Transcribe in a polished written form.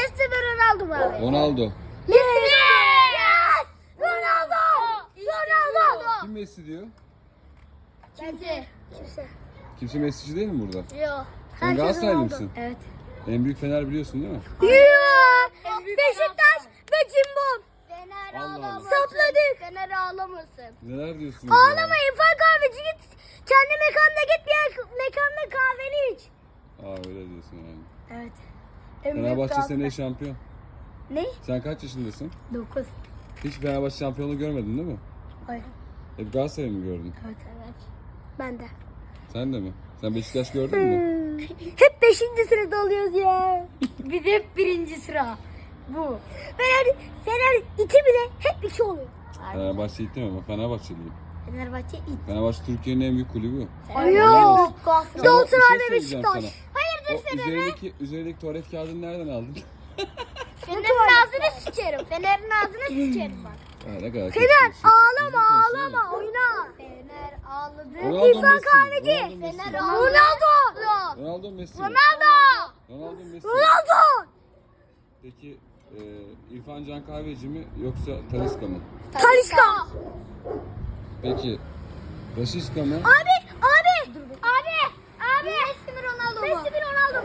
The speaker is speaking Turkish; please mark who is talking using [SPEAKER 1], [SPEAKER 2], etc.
[SPEAKER 1] Messi mi Ronaldo mu abi?
[SPEAKER 2] Ronaldo.
[SPEAKER 1] Yes! Ronaldo! Ronaldo!
[SPEAKER 2] Kim Messi diyor?
[SPEAKER 1] Kimse.
[SPEAKER 2] Kimse Messi'ci değil mi burada?
[SPEAKER 1] Yok.
[SPEAKER 2] Sen Galatasaraylı mısın?
[SPEAKER 1] Evet.
[SPEAKER 2] En büyük Fener biliyorsun değil mi?
[SPEAKER 1] Yok. Beşiktaş ve Cimbom. Fener
[SPEAKER 2] Allah Allah.
[SPEAKER 1] ağlamasın. Sapladık. Fener ağlamasın.
[SPEAKER 2] Neler diyorsun?
[SPEAKER 1] Ağlama İrfan kahveci git. Kendi mekanına git bir yer mekanda kahveni iç.
[SPEAKER 2] Aa öyle diyorsun yani.
[SPEAKER 1] Evet.
[SPEAKER 2] Fenerbahçe seneye şampiyon.
[SPEAKER 1] Ne?
[SPEAKER 2] Sen kaç yaşındasın?
[SPEAKER 1] 9.
[SPEAKER 2] Hiç Fenerbahçe şampiyonluğu görmedin değil mi?
[SPEAKER 1] Hayır.
[SPEAKER 2] Hep Galatasaray'ı mı gördün?
[SPEAKER 1] Evet. Ben de.
[SPEAKER 2] Sen de mi? Sen Beşiktaş gördün mü?
[SPEAKER 1] Hep 5. sırada oluyoruz ya. Biz hep 1. sıra. Bu. Fener 2 bile hep 2 oluyor.
[SPEAKER 2] Fenerbahçe gittim ama Fenerbahçeliyim.
[SPEAKER 1] Fenerbahçe 2.
[SPEAKER 2] Fenerbahçe Türkiye'nin en büyük kulübü.
[SPEAKER 1] Yok.
[SPEAKER 2] Sana
[SPEAKER 1] Galatasaray
[SPEAKER 2] bir şey
[SPEAKER 1] ve
[SPEAKER 2] söyleyeceğim
[SPEAKER 1] Beşiktaş.
[SPEAKER 2] sana. O üzerindeki tuvalet kağıdını nereden aldın?
[SPEAKER 1] Fener'in ağzını sıçarım. Fener'in ağzını sıçarım bak.
[SPEAKER 2] Ha, ne kadar
[SPEAKER 1] Fener
[SPEAKER 2] kötü bir şey.
[SPEAKER 1] ağlama
[SPEAKER 2] Düzgün konuşsana.
[SPEAKER 1] ağlama oyna. Fener ağladı.
[SPEAKER 2] Ronaldo
[SPEAKER 1] İrfan
[SPEAKER 2] Messi mi?
[SPEAKER 1] kahveci.
[SPEAKER 2] Ronaldo Messi mi?
[SPEAKER 1] Ronaldo.
[SPEAKER 2] Ronaldo Messi mi?
[SPEAKER 1] Ronaldo.
[SPEAKER 2] Ronaldo Messi mi?
[SPEAKER 1] Ronaldo.
[SPEAKER 2] Peki İrfan Can Kahveci mi yoksa Talisca mı?
[SPEAKER 1] Talisca.
[SPEAKER 2] Peki Raşiska mı?
[SPEAKER 1] Abi. Messi mi Ronaldo mu? Messi mi Ronaldo